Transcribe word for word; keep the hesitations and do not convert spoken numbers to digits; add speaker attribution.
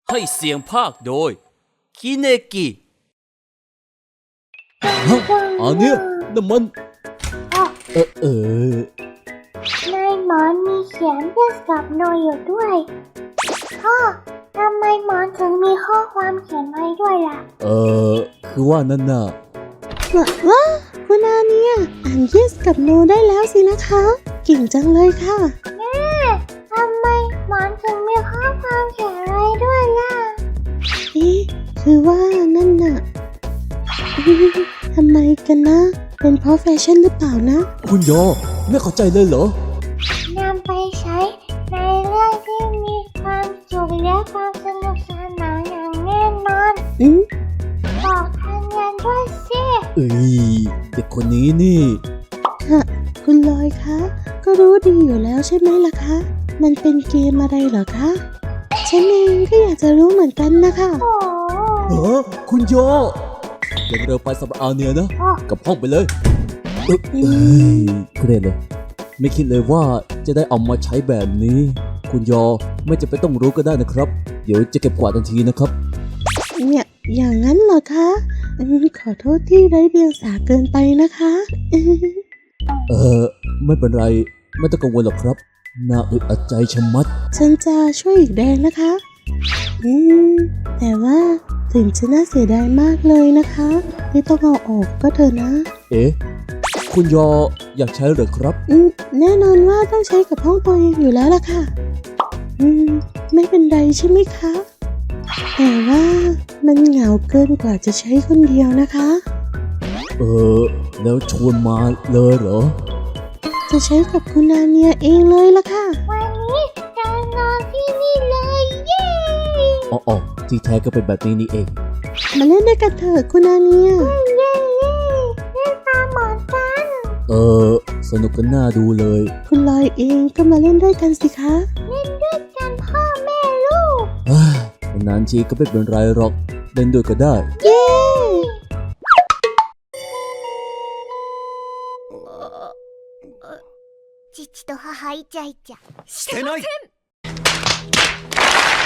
Speaker 1: ให้เสียงภาคโดยคิเนกิ
Speaker 2: ฮะอันเนี้ยน้ำมันเออเออ
Speaker 3: ในหมอนมีเขียนเพื่อกับโนอยู่ด้วยพ่อทำไมหมอนถึงมีข้อความเขียนไว้ด้วยล่ะ
Speaker 2: เออคือว่านั่นน่ะ
Speaker 4: ว้าคุณอาเนี่ยอ่าน yes กับ no ได้แล้วสินะคะเก่งจังเลยค่ะ
Speaker 3: แม่ทำไมหมอนถึงมีข้อความเขียนไว้ด้วยล่ะ
Speaker 4: เอ๊ะคือว่านั่นน่ะทำไมกันนะเป็นเพราะแฟชั่นหรือเปล่านะ
Speaker 2: คุณยอไม่เข้าใจเลยเหรอ
Speaker 3: นำไปใช้ในเรื่องที่มีความสุขและความสนุกสนานอย่างแน่นอน
Speaker 4: อืม
Speaker 3: บอกทางเรียนด้วยสิ
Speaker 2: เอ้ยเด็กคนนี้นี่
Speaker 4: ฮะคุณลอยคะก็รู้ดีอยู่แล้วใช่ไหมล่ะคะมันเป็นเกมอะไรเหรอคะฉันเองก็อยากจะรู้เหมือนกันนะคะ
Speaker 2: เออคุณยอยังเร็วไปสำหรับอาเนียนะกับห้องไปเลยเอ้ยเครียดเลยไม่คิดเลยว่าจะได้เอามาใช้แบบนี้คุณยอไม่จะไปต้องรู้ก็ได้นะครับเดี๋ยวจะเก็บกวาดทันทีนะครับ
Speaker 4: เนี่ยอย่างนั้นเหรอคะขอโทษที่ไร้เดียงสาเกินไปนะคะ
Speaker 2: เออไม่เป็นไรไม่ต้องกังวลหรอกครับน่าอึดอัดใจชะมัด
Speaker 4: ฉันจะช่วยอีกแดงนะคะอืมแต่ว่าถึงจะน่าเสียดายมากเลยนะคะที่ต้องเอาออกก็เถอะนะ
Speaker 2: เอ๊ะคุณยออยากใช้หรือครับ
Speaker 4: อืมแน่นอนว่าต้องใช้กับห้องตัวเองอยู่แล้วล่ะค่ะอืมไม่เป็นไรใช่ไหมคะแต่ว่ามันเหงาเกินกว่าจะใช้คนเดียวนะคะ
Speaker 2: เออแล้วชวนมาเลยเหรอ
Speaker 4: จะใช้กับคุณนาเนียเองเลยล่ะค่ะ
Speaker 3: วันนี้จะนอนที่นี่เลยเย้
Speaker 2: อ๋ออ๋อที่แท้ก็เป็นแบบนี้นี่เอง
Speaker 4: มาเล่นด้วยกันเถอะคุณนาเนีย
Speaker 3: เย้เย้เล่นตามหมอนกัน
Speaker 2: เออสนุกกันน่าดูเลย
Speaker 4: คุณลอยเองก็มาเล่นด้วยกันสิคะ
Speaker 3: เล่นด้วยกันพ่อแม่ลูก
Speaker 2: นานทีก็ไม่เป็นไรหรอกเล่นด้วยก็ได้
Speaker 4: เย้
Speaker 3: 父と母イチャイチャ
Speaker 1: してない